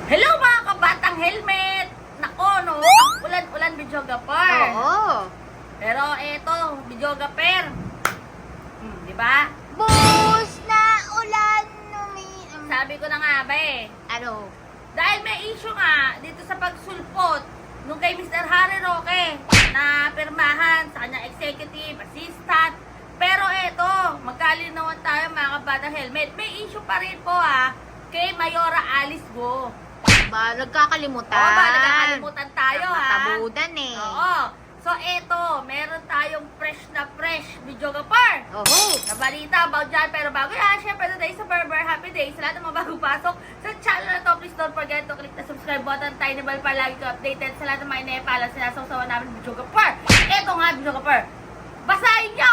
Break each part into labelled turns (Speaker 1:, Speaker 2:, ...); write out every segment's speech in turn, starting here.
Speaker 1: Hello mga kabatang helmet! Nako no, ang ulan-ulan videographer.
Speaker 2: Oo.
Speaker 1: Pero eto, videographer. Di ba?
Speaker 2: Bus na ulan
Speaker 1: Sabi ko na nga ba eh.
Speaker 2: Ano?
Speaker 1: Dahil may issue nga dito sa pagsulpot nung kay Mr. Harry Roque na pirmahan sa kanyang executive assistant. Pero eto, magkalinawan tayo mga kabatang helmet. May issue pa rin po kay Mayora Alice Go.
Speaker 2: Ba, nagkakalimutan.
Speaker 1: Oo ba, nagkakalimutan tayo
Speaker 2: Matabudan eh.
Speaker 1: Oo. So eto, meron tayong fresh videographer.
Speaker 2: Oo.
Speaker 1: Na balita about dyan. Pero bago yan, syempre today sa Berber Happy Day. Sa lahat ng mga bagong pasok sa channel na to, please don't forget to click the subscribe button, tiny bell para lagi ko updated sa lahat ng mga inepala sinasawsawan namin videographer. Eto nga videographer, basahin nyo!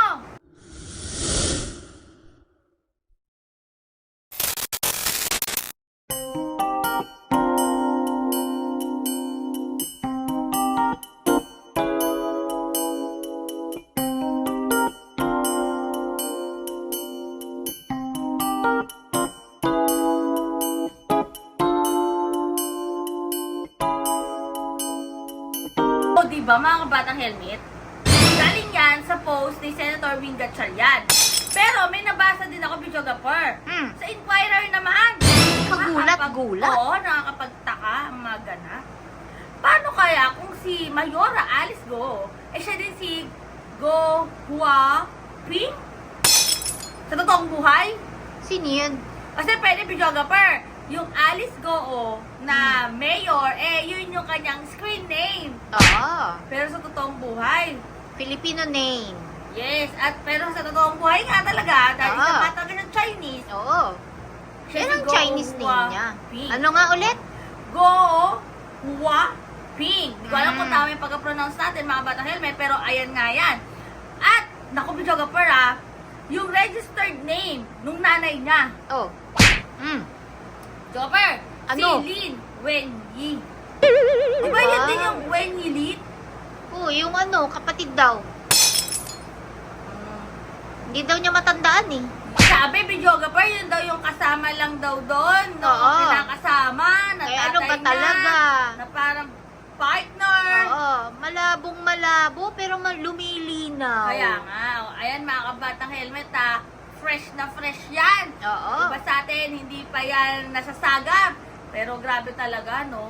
Speaker 1: O diba mga kabatang helmet? Galing yan sa post ni Senator Wing Gatchalian. Pero may nabasa din ako videographer. Sa Inquirer naman.
Speaker 2: Kagulat-gulat.
Speaker 1: Oo, nakakapagtaka ang mga ganap. Paano kaya kung si Mayora Alice Go, siya din si Go Hua Ping? Sa totoong buhay?
Speaker 2: Sino yun?
Speaker 1: Kasi pwede videographer. Yung Alice Go na mayor, yun yung kanyang screen name.
Speaker 2: Oo.
Speaker 1: Pero sa totoong buhay,
Speaker 2: Filipino name.
Speaker 1: yes. Pero sa totoong buhay nga talaga, dahil
Speaker 2: Oo.
Speaker 1: sa bata ng Chinese,
Speaker 2: Oo.
Speaker 1: siya
Speaker 2: Yan
Speaker 1: si
Speaker 2: ang
Speaker 1: Go
Speaker 2: Chinese name
Speaker 1: Hua
Speaker 2: niya.
Speaker 1: Ping.
Speaker 2: Ano nga ulit?
Speaker 1: Go Hua Ping. Hindi ko alam kung
Speaker 2: Mm.
Speaker 1: tama yung pagka-pronounce natin, mga batang helmet, pero ayan nga yan. At, naku videographer yung registered name nung nanay niya,
Speaker 2: Oh.
Speaker 1: videographer,
Speaker 2: Ano?
Speaker 1: si Lin Wenyi. Diba yun din yung Wenyi Lin?
Speaker 2: Oo, yung ano, kapatid daw. Hindi daw niya matandaan eh.
Speaker 1: Sabi, videographer, yun daw yung kasama lang daw doon. No?
Speaker 2: Oo.
Speaker 1: Kinakasama, na
Speaker 2: Eh,
Speaker 1: tatay
Speaker 2: ano ba
Speaker 1: niya,
Speaker 2: talaga?
Speaker 1: na parang partner.
Speaker 2: Oo. Malabong malabo, pero lumilinaw.
Speaker 1: Kaya nga, ayan mga kabatang helmet fresh na fresh yan.
Speaker 2: Oo.
Speaker 1: Diba sa atin, hindi pa yan nasasagap. Pero grabe talaga, no?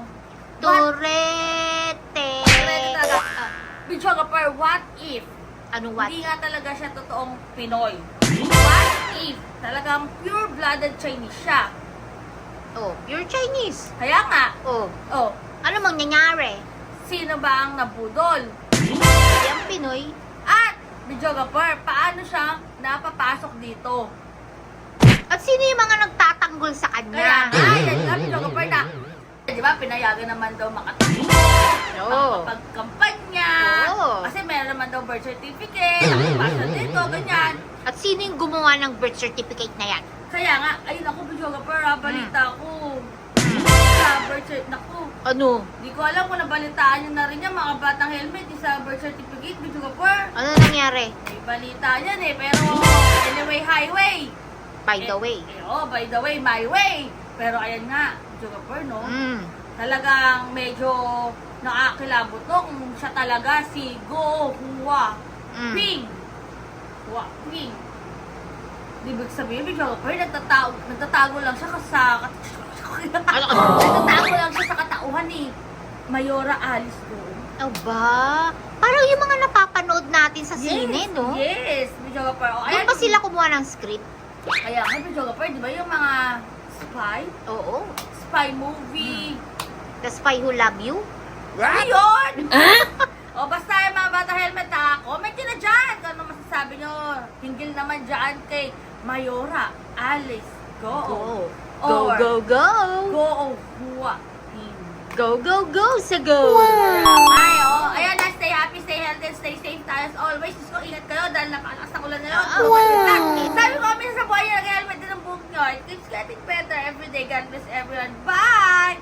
Speaker 2: Torete.
Speaker 1: Grabe talaga. Videographer, what if?
Speaker 2: Ano what?
Speaker 1: Hindi nga talaga siya totoong Pinoy. What if talagang pure-blooded Chinese siya?
Speaker 2: Oh, pure Chinese.
Speaker 1: Kaya nga,
Speaker 2: Oh, ano mangyayari?
Speaker 1: sino ba ang nabudol?
Speaker 2: Yung Pinoy.
Speaker 1: At, videographer, paano siya napapasok dito?
Speaker 2: At sino yung mga nagtatanggol sa
Speaker 1: Kaya
Speaker 2: kanya?
Speaker 1: nga, yan nga, videographer na. Di ba, pinayagan naman daw makatakbo,
Speaker 2: Oo.
Speaker 1: makapagkampanya,
Speaker 2: Oo.
Speaker 1: kasi meron naman daw birth certificate, nakapasa dito, ganyan.
Speaker 2: At sino yung gumawa ng birth certificate na yan?
Speaker 1: Kaya nga, ayun ako, videographer, balita ko. Sa birth certificate, naku,
Speaker 2: Ano?
Speaker 1: di ko alam kung nabalitaan nyo na rin yan, mga batang helmet, sa birth certificate, videographer.
Speaker 2: Ano nangyari?
Speaker 1: May balita yan pero anyway, highway.
Speaker 2: By the way.
Speaker 1: By the way, my way. Pero ayan nga, videographer, no? Talagang medyo nakakilabot to kung siya talaga si Go Hua Ping. Hua Ping. Ibig sabihin, videographer, nagtatago lang siya nagtatago lang siya sa katauhan ni Mayora Alice Go.
Speaker 2: Aba, parang yung mga napapanood natin sa sine, no?
Speaker 1: Yes, videographer.
Speaker 2: Doon ba sila kumuha ng script?
Speaker 1: Kaya nga, videographer, di ba yung mga spy?
Speaker 2: Oo.
Speaker 1: Spy movie.
Speaker 2: The Spy Who Love You?
Speaker 1: Ayun! O basta yung mga bata helmet comment nyo na dyan kung ano masasabi nyo. Hinggil naman dyan kay Mayora Alice Go.
Speaker 2: Go.
Speaker 1: Or
Speaker 2: Go, go, go!
Speaker 1: Go Hua Ping.
Speaker 2: Go, go, go sa go!
Speaker 1: Ay, ayan na, stay happy, stay healthy, stay safe tayo as always. Diyos ko, ingat kayo dahil napakalakas na ulan ngayon. Sabi ko kami sa buhay yung helmet din ang buhok nyo. It keeps getting better every day. God bless everyone. Bye!